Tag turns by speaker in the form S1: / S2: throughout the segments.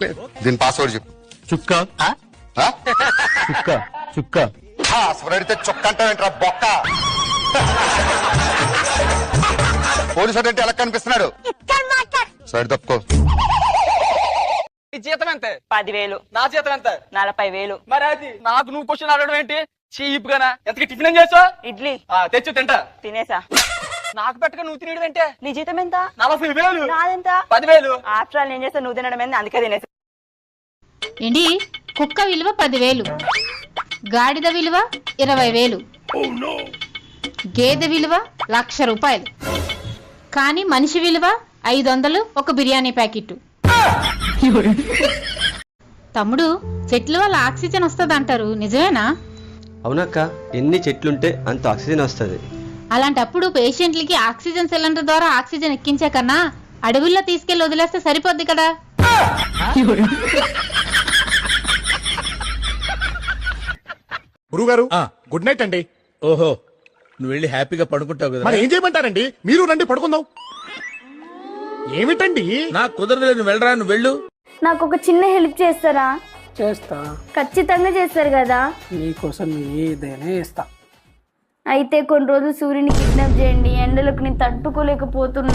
S1: దీని పాస్వర్డ్ చెప్పు.
S2: చుక్క
S1: ఆ?
S2: చుక్క చుక్క
S1: పాస్వర్డ్ అడిగితే చొక్క అంటావేంట్రా బొక్క. పోలీసు అంటే ఎలా కనిపిస్తున్నాడు? సైడ్ తప్పుకో.
S3: నీ జీతం ఎంత?
S4: 10,000.
S3: నా జీతం ఎంత?
S4: 40,000.
S3: మరి అది నాకు నువ్వు క్వశ్చన్ అడగడం ఏంటి? చీప్ గానా? ఎంతకి టిఫిన్ ఏం చేసావు?
S4: ఇడ్లీ
S3: తెచ్చు తింటా.
S4: తినేసా.
S3: నాకు పెట్టక నువ్వు తినడం ఏంటే?
S4: నీ జీతం ఎంత?
S3: 40,000.
S4: నాదెంత?
S3: 10,000.
S4: ఆఫ్టర్ ఆల్ నేను చేస్తా, నువ్వు తినడం ఏంది, అందుకే తినేసా.
S5: ఏంటి? కుక్క విలువ 10,000, గాడిద విలువ 20,000, గేదె విలువ 1,00,000 రూపాయలు, కానీ మనిషి విలువ 500, ఒక బిర్యానీ ప్యాకెట్. తమ్ముడు, చెట్ల వల్ల ఆక్సిజన్ వస్తుంది అంటారు, నిజమేనా?
S6: అవునక్క, ఎన్ని చెట్లుంటే అంత ఆక్సిజన్ వస్తుంది.
S5: అలాంటప్పుడు పేషెంట్లకి ఆక్సిజన్ సిలిండర్ ద్వారా ఆక్సిజన్ ఎక్కించే కన్నా అడవుల్లో తీసుకెళ్లి వదిలేస్తే సరిపోద్ది కదా.
S7: గురుగారు గుడ్ నైట్ అండి.
S2: ఓహో, నువ్వు వెళ్ళి హ్యాపీగా పడుకుంటావు కదా.
S7: మరి ఏం చేయమంటారండి? మీరు రండి పడుకుందాం. ఏమిటండి?
S2: నాకు కుదరలేదు, నువ్వు వెళ్ళరా, నువ్వు వెళ్ళు.
S8: నాకు ఒక చిన్న హెల్ప్ చేస్తారా?
S9: చేస్తా.
S8: ఖచ్చితంగా చేస్తారు కదా.
S9: నీకోసం ఏదైనా చేస్తా.
S8: అయితే కొన్ని రోజులు సూర్యుని కిడ్నాప్ చేయండి, ఎండలకు నేను తట్టుకోలేకపోతున్నా.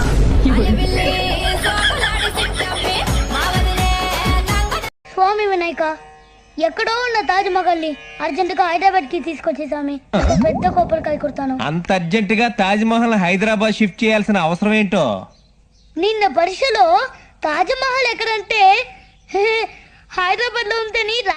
S10: స్వామి వినాయక, ఎక్కడో ఉన్న తాజ్ మహల్ ని అర్జెంట్ గా హైదరాబాద్ కి తీసుకొచ్చే స్వామి, పెద్ద కోపరికాయ కొడతాను.
S11: అంత అర్జెంట్ గా తాజ్ మహల్ హైదరాబాద్ షిఫ్ట్ చేయాల్సిన అవసరం ఏంటో?
S10: నిన్న పరీక్షలో తాజ్ మహల్ ఎక్కడంటే హైదరాబాద్ లో ఉంటేని